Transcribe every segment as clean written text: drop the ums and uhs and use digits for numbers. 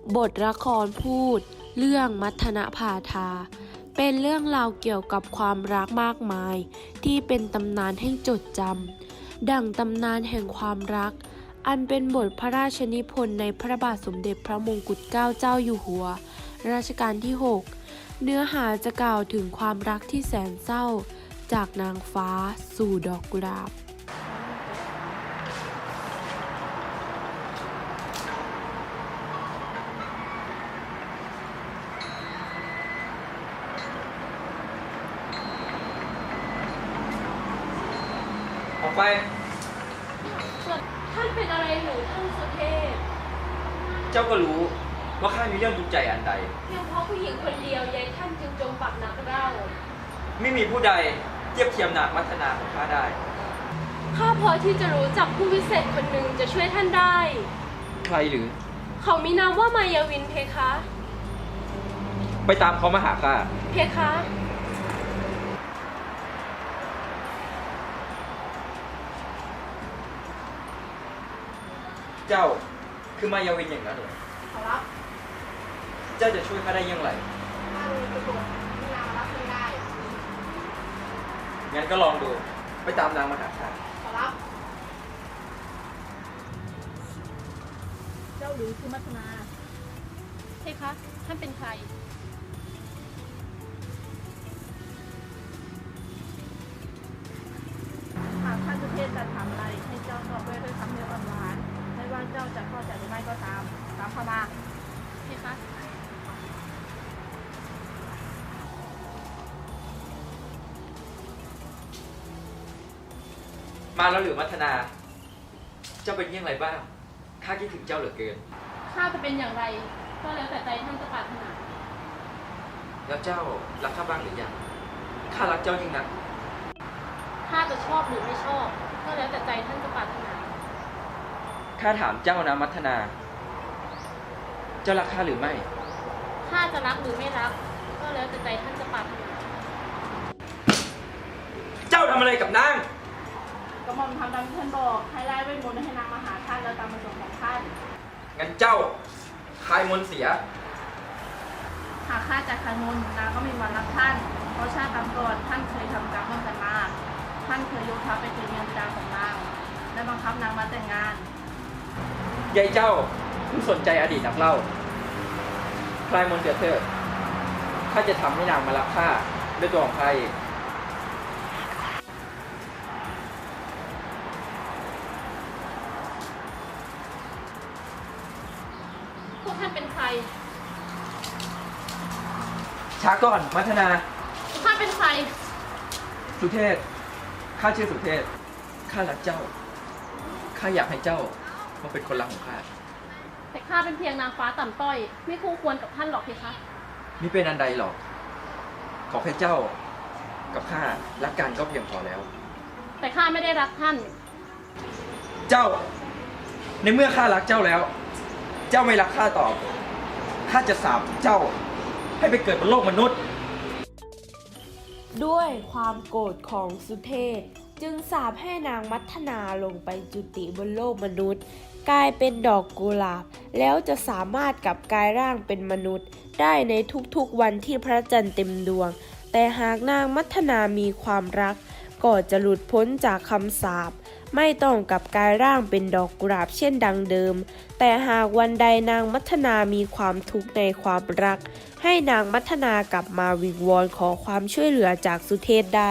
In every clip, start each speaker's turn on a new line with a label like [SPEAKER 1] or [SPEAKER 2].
[SPEAKER 1] บทละครพูดเรื่องมัทนภาทาเป็นเรื่องราวเกี่ยวกับความรักมากมายที่เป็นตำนานให้จดจำดั่งตำนานแห่งความรักอันเป็นบทพระราชนิพนธ์ในพระบาทสมเด็จพระมงกุฎเกล้าเจ้าอยู่หัวรัชกาลที่ 6 เนื้อหาจะกล่าวถึงความรักที่แสนเศร้าจากนางฟ้าสู่ดอกกุหลาบ
[SPEAKER 2] ออกไป
[SPEAKER 1] ท่านเป็นอะไรหรือท่านสุเทพ
[SPEAKER 2] เจ้าก็รู้ว่าข้ามีเรื่องทุกข์ใจอันใด
[SPEAKER 1] เพียงเพราะผู้หญิงคนเดียวยายท่านจึงจมปักนักเล่า
[SPEAKER 2] ไม่มีผู้ใดเทียบเทียมนางมัทนาของข้าได้
[SPEAKER 1] ข้าพอที่จะรู้จักผู้วิเศษคนหนึ่งจะช่วยท่านได้
[SPEAKER 2] ใครหรือ
[SPEAKER 1] เขามีนามว่ามายาวินเพคะ
[SPEAKER 2] ไปตามเขามาหาข้า
[SPEAKER 1] เพคะ
[SPEAKER 2] เจ้าคือมายาวินอย่างนั้นเหรอ
[SPEAKER 3] ขอรับ
[SPEAKER 2] เจ้าจะช่วยข้าได้อย่างไร
[SPEAKER 3] ข้ามีประโยชน์ที่นางรับไม่ได้
[SPEAKER 2] งั้นก็ลองดูไปตามนางมาหาข้า
[SPEAKER 3] ขอรับ เจ้าหรือคือมัทนา
[SPEAKER 1] เพคะท่านเป็นใคร
[SPEAKER 3] หากท่านสุเทพจะถามอะไรให้เจ้าตอบด้วยคำเนื้อหวานๆไม่ว่าเจ้าจะเข้าใจหรือไม่ก็ตามเข้ามา
[SPEAKER 1] เพคะ
[SPEAKER 2] มาแล้วหรือมัทนา เจ้าเป็นอย่างไรบ้างข้าคิดถึงเจ้าเหลือเกิน
[SPEAKER 1] ข้าจะเป็นอย่างไรก็แล้วแต่ใจท่านจะปรารถนา
[SPEAKER 2] แล้วเจ้ารักข้าบ้างหรือยังข้ารักเจ้าจริงนะ
[SPEAKER 1] ข้าจะชอบหรือไม่ชอบก็แล้วแต่ใจท่านจะปรารถนา
[SPEAKER 2] ข้าถามเจ้านะมัทนา เจ้ารักข้าหรือไม่
[SPEAKER 1] ข้าจะรักหรือไม่รักก็แล้วแต่ใจท่านจะปรารถนา
[SPEAKER 2] เจ้าทำอะไรกับนาง
[SPEAKER 3] กระหม่อมทำตามที่ท่านบอกให้ไล่เวทมนต์ให้นางมาหาท่านแล้วตามประสงค์ของท่าน
[SPEAKER 2] งั้นเจ้าคายมนต์เสีย
[SPEAKER 3] หากข้าจัดคายมนต์นางก็ไม่มารักท่านเพราะชาติก่อนท่านเคยทำกรรมร่วมกันมาท่านเคยยกทัพไปตีเมียบิดาของนางและบังคับนางมาแต่งงาน
[SPEAKER 2] ยายเจ้าเพิ่งสนใจอดีตนักเล่าคลายมนต์เสียเถิดข้าจะทำให้นางมารักข้าด้วยตัวของข้าเอง
[SPEAKER 1] พวกท่านเป็นใคร
[SPEAKER 2] ช้าก่อนมัทนา
[SPEAKER 1] ข้าเป็นใคร
[SPEAKER 2] สุเทพข้าชื่อสุเทพข้ารักเจ้าข้าอยากให้เจ้ามาเป็นคนรักของข้า
[SPEAKER 1] แต่ข้าเป็นเพียงนางฟ้าต่ำต้อยไม่คู่ควรกับท่านหรอกเพคะ
[SPEAKER 2] มิเป็นอันใดหรอกขอแค่เจ้ากับข้ารักกันก็เพียงพอแล้ว
[SPEAKER 1] แต่ข้าไม่ได้รักท่าน
[SPEAKER 2] เจ้าในเมื่อข้ารักเจ้าแล้วเจ้าไม่รักข้าตอบข้าจะสาปเจ้าให้ไปเกิดบนโลกมนุษย์
[SPEAKER 1] ด้วยความโกรธของสุเทพจึงสาปให้นางมัทนาลงไปจุติบนโลกมนุษย์กลายเป็นดอกกุหลาบแล้วจะสามารถกลับกายร่างเป็นมนุษย์ได้ในทุกๆวันที่พระจันทร์เต็มดวงแต่หากนางมัทนามีความรักก็จะหลุดพ้นจากคำสาปไม่ต้องกลับกายร่างเป็นดอกกุหลาบเช่นดังเดิมแต่หากวันใดนางมัทนามีความทุกข์ในความรักให้นางมัทนากลับมาวิงวอนขอความช่วยเหลือจากสุเทพได้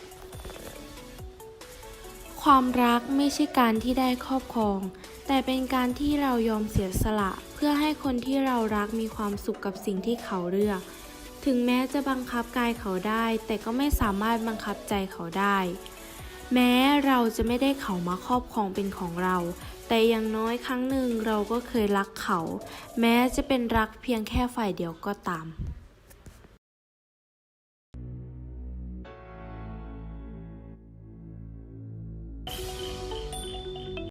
[SPEAKER 1] ความรักไม่ใช่การที่ได้ครอบครองแต่เป็นการที่เรายอมเสียสละเพื่อให้คนที่เรารักมีความสุขกับสิ่งที่เขาเลือกถึงแม้จะบังคับกายเขาได้แต่ก็ไม่สามารถบังคับใจเขาได้แม้เราจะไม่ได้เขามาครอบครองเป็นของเราแต่อย่างน้อยครั้งหนึ่งเราก็เคยรักเขาแม้จะเป็นรักเพียงแค่ฝ่ายเดียวก็ตาม